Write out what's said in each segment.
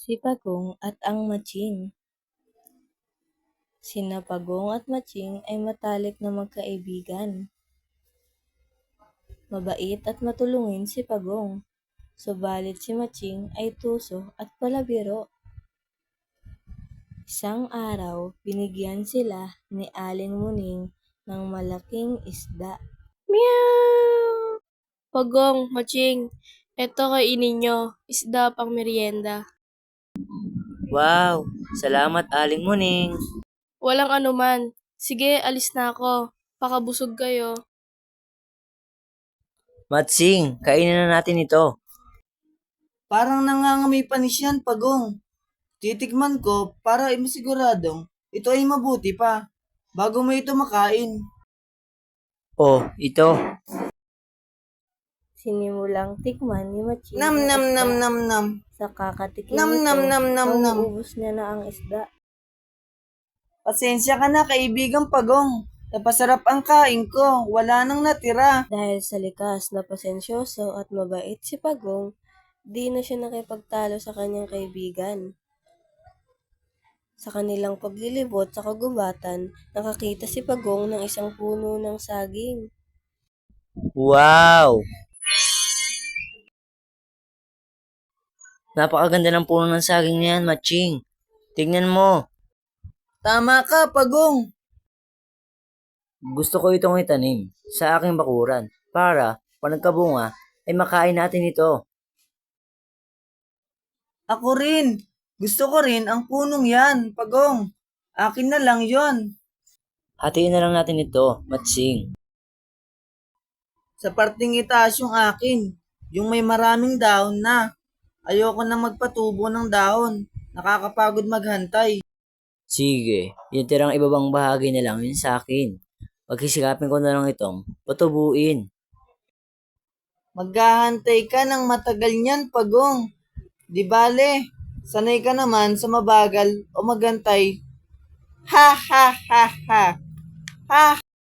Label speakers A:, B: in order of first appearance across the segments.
A: Si Pagong at ang Matching. Sina Pagong at Matching ay matalik na magkaibigan. Mabait at matulungin si Pagong, subalit si Matching ay tuso at palabiro. Isang araw, binigyan sila ni Aling Muning ng malaking isda.
B: Meow! Pagong, Matching, eto kainin nyo, isda pang merienda.
C: Wow! Salamat, Aling Muning.
B: Walang anuman. Sige, alis na ako. Pakabusog kayo.
C: Matsing, kainin na natin ito.
D: Parang nangangamoy panis yan, Pagong. Titikman ko para masiguradong ito ay mabuti pa bago mo ito makain.
C: Oh, ito.
A: Sinimulang tikman ni Matching
D: Nam
A: ang
D: nam
A: isda.
D: nam nam nam.
A: Sa kakatikim
D: Nam
A: nito,
D: nam nam nam nam.
A: mauubos niya na ang isda.
D: Pasensya ka na, kaibigang Pagong. Napasarap ang kain ko, wala nang natira.
A: Dahil sa likas na pasensyoso at mabait si Pagong, di na siya nakipagtalo sa kanyang kaibigan. Sa kanilang paglilibot sa kagubatan, nakakita si Pagong ng isang puno ng saging.
C: Wow! Napakaganda ng puno ng saging niyan, Matching. Tingnan mo.
D: Tama ka, Pagong.
C: Gusto ko itong itanim sa aking bakuran para pag nagkabunga ay makain natin ito.
D: Ako rin. Gusto ko rin ang punong yan, Pagong. Akin na lang yon.
C: Hatiin na lang natin ito, Matching.
D: Sa parting itaas yung akin, yung may maraming dahon na. Ayoko na magpatubo ng dahon. Nakakapagod maghantay.
C: Sige, yung tirang ibabang bahagi na lang yun sa akin. Pagkisikapin ko na lang itong patubuin.
D: Maghahantay ka ng matagal niyan, Pagong. Di bale, sanay ka naman sa mabagal o magantay. Ha ha ha ha. Ha.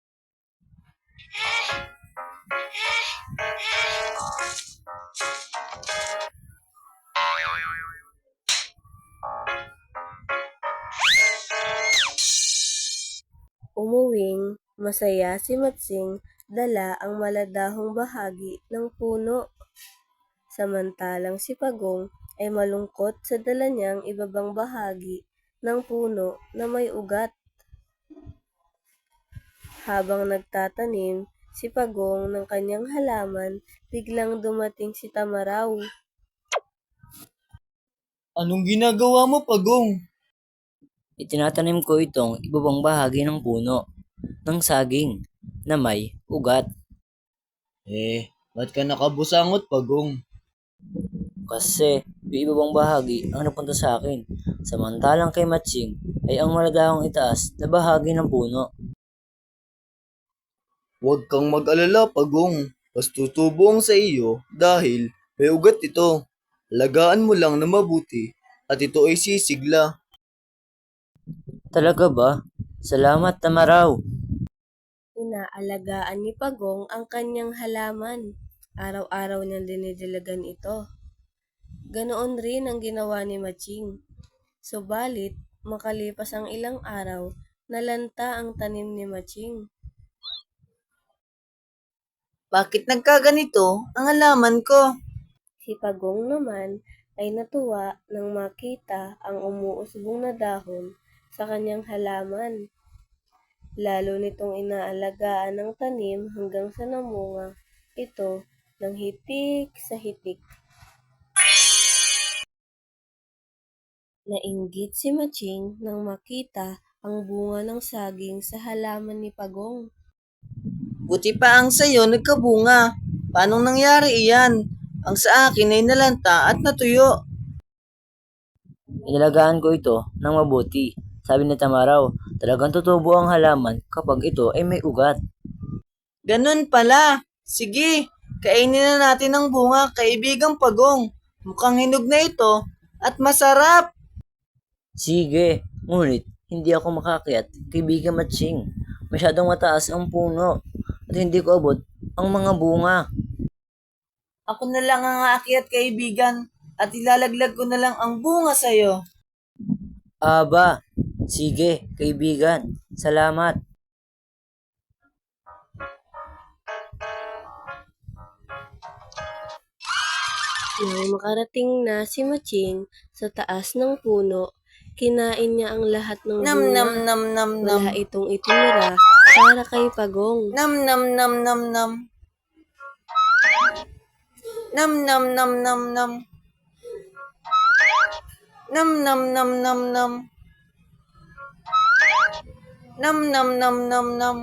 A: Umuwing, masaya si Matsing dala ang maladahong bahagi ng puno. Samantalang si Pagong ay malungkot sa dala niyang ibabang bahagi ng puno na may ugat. Habang nagtatanim si Pagong ng kanyang halaman, biglang dumating si Tamaraw.
D: Anong ginagawa mo, Pagong?
C: Itinatanim ko itong ibabang bahagi ng puno ng saging na may ugat.
D: Ba't ka nakabusangot, Pagong?
C: Kasi yung ibabang bahagi ang napunta sa akin. Samantalang kay Matching ay ang maladahong itaas na bahagi ng puno.
D: Huwag kang mag-alala, Pagong. Mas tutubong sa iyo dahil may ugat ito. Alagaan mo lang na mabuti at ito ay sisigla.
C: Talaga ba? Salamat, Tamaraw.
A: Inaalagaan ni Pagong ang kanyang halaman. Araw-araw niyang dinidilagan ito. Ganoon rin ang ginawa ni Matching. Subalit, makalipas ang ilang araw, nalanta ang tanim ni Matching.
D: Bakit nagkaganito ang halaman ko?
A: Si Pagong naman ay natuwa nang makita ang umuusbong na dahon sa kanyang halaman. Lalo nitong inaalagaan ng tanim hanggang sa namunga ito ng hitik sa hitik. Nainggit si Matching nang makita ang bunga ng saging sa halaman ni Pagong.
D: Buti pa ang sayo nagkabunga. Paanong nangyari iyan? Ang sa akin ay nalanta at natuyo.
C: Inalagaan ko ito ng mabuti. Sabi ni Tamaraw, talagang tutubo ang halaman kapag ito ay may ugat.
D: Ganun pala. Sige, kainin na natin ang bunga, kaibigang Pagong. Mukhang hinog na ito at masarap.
C: Sige, ngunit hindi ako makakyat, kaibigan Matching. Masyadong mataas ang puno at hindi ko abot ang mga bunga.
D: Ako na lang ang aakyat, kaibigan. at ilalaglag ko na lang ang bunga sa'yo.
C: Aba, sige, kaibigan. Salamat.
A: Nang makarating na si Matching sa taas ng puno, kinain niya ang lahat ng
D: Nam
A: bunga.
D: nam nam nam nam.
A: Wala itong itinira para kay Pagong.
D: Nam nam nam nam nam. Nam nam nam nam nam. Nam nam nam nam nam. Nam nam nam nam nam.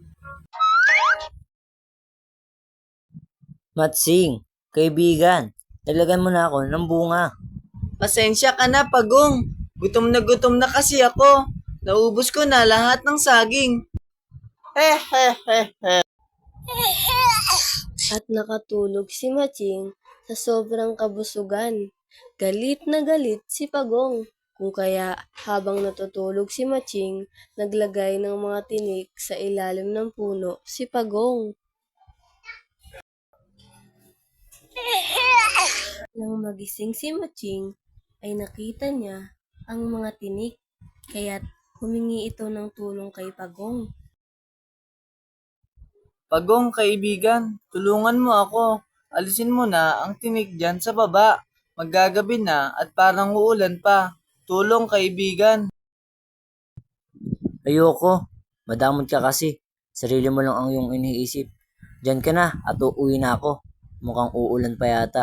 C: Matsing, kaibigan. Naglagan mo na ako ng bunga.
D: Pasensya ka na, Pagong. Gutom na kasi ako. Naubos ko na lahat ng saging. Hehehehe.
A: At nakatulog si Matching sa sobrang kabusugan. Galit na galit si Pagong. Kung kaya habang natutulog si Matching, naglagay ng mga tinik sa ilalim ng puno si Pagong. Nang magising si Matching, ay nakita niya ang mga tinik, kaya't humingi ito ng tulong kay Pagong.
D: Pagong, kaibigan, tulungan mo ako. Alisin mo na ang tinik dyan sa baba. Maggagabi na at parang uulan pa. Tulong, kaibigan.
C: Ayoko. Madamot ka kasi. Sarili mo lang ang iyong iniisip. Diyan ka na at uuwi na ako. Mukhang uulan pa yata.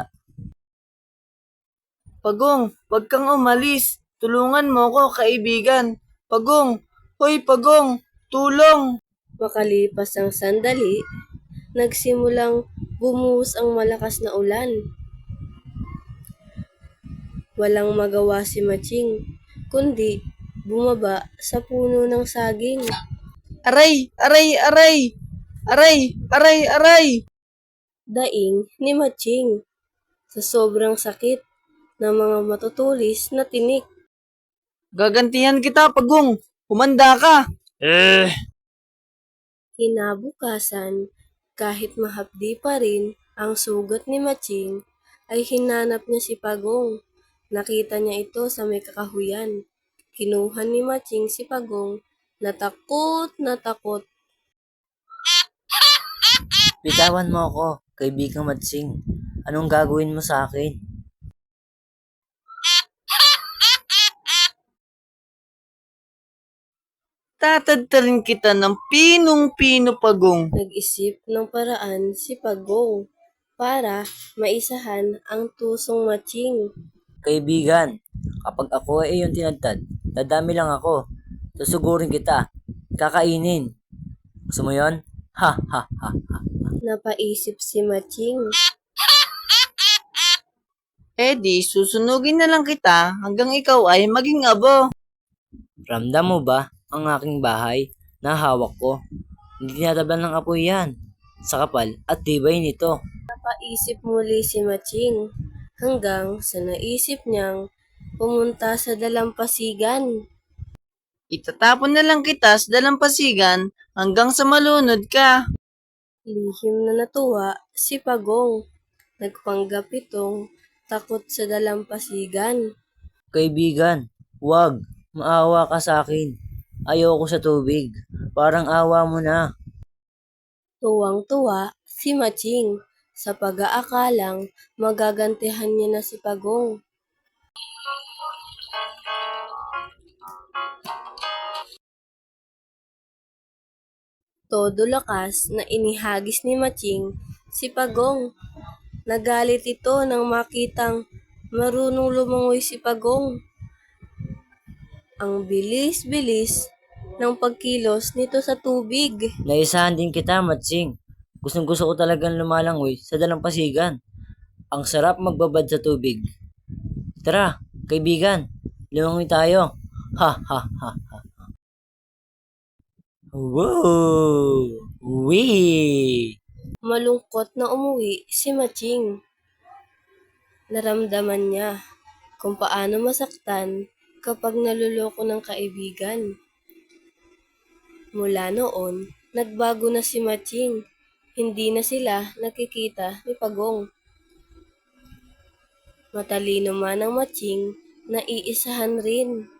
D: Pagong, wag kang umalis. Tulungan mo ako, kaibigan. Pagong, hoy Pagong, tulong!
A: Makalipas ang sandali, nagsimulang bumuhos ang malakas na ulan. Walang magawa si Matching, kundi bumaba sa puno ng saging.
D: Aray, aray, aray! Aray, aray, aray!
A: Daing ni Matching sa sobrang sakit ng mga matutulis na tinik.
D: Gagantihan kita, Pagong. Humanda ka.
A: Kinabukasan, kahit mahapdi pa rin ang sugat ni Matching, ay hinanap niya si Pagong. Nakita niya ito sa may kakahuyan. Kinuha ni Matching si Pagong na takot na takot.
C: Bitawan mo ako, kaibigang Matsing. Anong gagawin mo sa akin?
D: Tatadtarin kita ng pinong-pino, Pagong.
A: Nag-isip ng paraan si Pagong para maisahan ang tusong Matching.
C: Kaibigan, kapag ako ay iyong tinadtad, dadami lang ako. Susugurin kita. Kakainin. Gusto mo yun? Ha ha ha.
A: Napaisip si Matching.
D: Di, susunugin na lang kita hanggang ikaw ay maging abo.
C: Ramdam mo ba ang aking bahay na hawak ko? Hindi tinatablan ng apoy yan. Sa kapal at tibay nito.
A: Napaisip muli si Matching hanggang sa naisip niyang pumunta sa dalampasigan.
D: Itatapon na lang kita sa dalampasigan hanggang sa malunod ka.
A: Lihim na natuwa si Pagong. Nagpanggap itong takot sa dalampasigan.
C: Kaibigan, wag. Maawa ka sa akin. Ayoko sa tubig. Parang awa mo na.
A: Tuwang-tuwa si Matching sa pag-aakalang magagantihan niya na si Pagong. Todo lakas na inihagis ni Matching si Pagong. Nagalit ito nang makitang marunong lumangoy si Pagong. Ang bilis-bilis ng pagkilos nito sa tubig.
C: Naisahan din kita, Matsing. Gustong gusto ko talagang lumalangoy sa dalampasigan. Ang sarap magbabad sa tubig. Tara, kaibigan. Lumangoy tayo. Ha ha ha ha. Wow! Wee!
A: Malungkot na umuwi si Matching. Naramdaman niya kung paano masaktan kapag naluloko ng kaibigan. Mula noon, nagbago na si Matching. Hindi na sila nakikita ni Pagong. Matalino man ang Matching, naiisahan rin.